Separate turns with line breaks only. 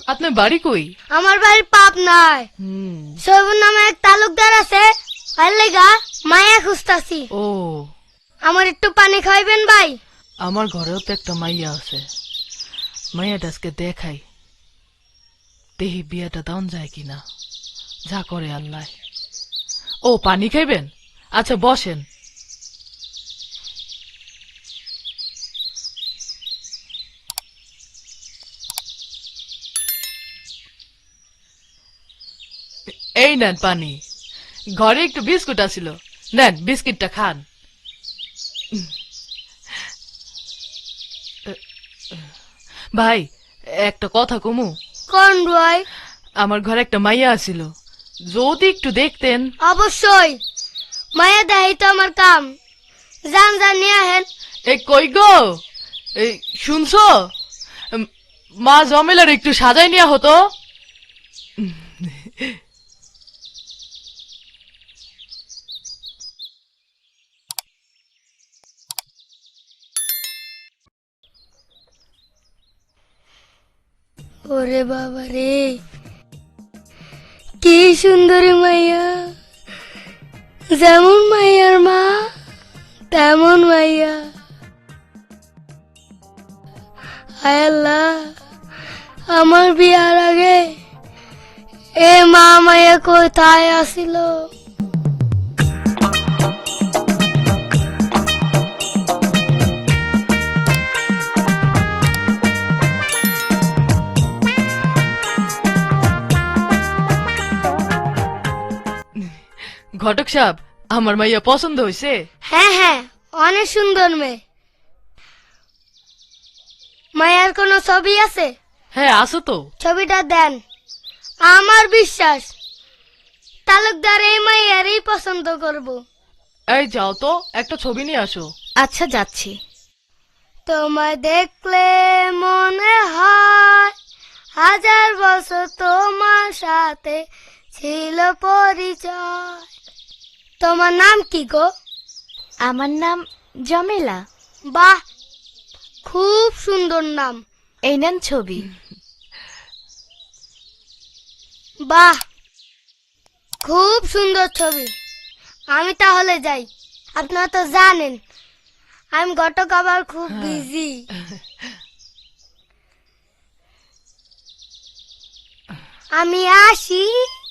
আপনার বাড়ি কই?
আমার বাড়ি পাবনায়। সৈবুর নামে এক তালুকদার আছে, আর লেগা মায়া খুঁজতাছি।
ও,
আমার একটু পানি খাইবেন ভাই?
আমার ঘরেও তো একটা মাইয়া আছে, মাইয়াটা আজকে দেখাই, দেহি বিয়াটা দান যায় কিনা, যা করে আল্লাহ। ও, পানি খাইবেন? আচ্ছা বসেন। এই নেন পানি, ঘরে একটু বিস্কুট আছিল, নেন বিস্কিটটা খান। ভাই, একটা কথা কমু?
কোন ভাই?
আমার ঘরে একটা মাইয়া আছিল, যদি একটু দেখতেন।
অবশ্যই, মায়া দেখাই তো আমার কাম। যান যান নিয়ে আহেন।
এই কই গো, এই শুনছো? মা জমেলার একটু সাজাই নেওয়া হতো।
ওরে বাবা রে, কি সুন্দরী মাইয়া, যেমন মাইয়ার মা তেমন মাইয়া। হায় আল্লাহ, আমার বিয়ার আগে এ মা মাইয়া কোথায় আসিল?
ঘটক সাহেব, আমার মাইয়া পছন্দ হয়েছে?
হ্যাঁ হ্যাঁ, অনেক সুন্দর মেয়ে। মায়ার কোনো ছবি আছে?
হ্যাঁ আছে তো।
ছবিটা দেন, আমার বিশ্বাস তালুকদার এই মাইয়ারই পছন্দ করব।
এই যাও তো, একটা ছবি নিয়ে আসো।
আচ্ছা যাচ্ছি।
তোমায় দেখলে মনে হয় হাজার বছর তোমার সাথে ছিল পরিচয়। তোমার নাম কি গো?
আমার নাম জমেলা।
বাহ, খুব সুন্দর নাম।
এই নেন ছবি।
বাহ, খুব সুন্দর ছবি। আমি তাহলে যাই। আপনারা তো জানেন আমি ঘটক আবার খুব বিজি। আমি আসি।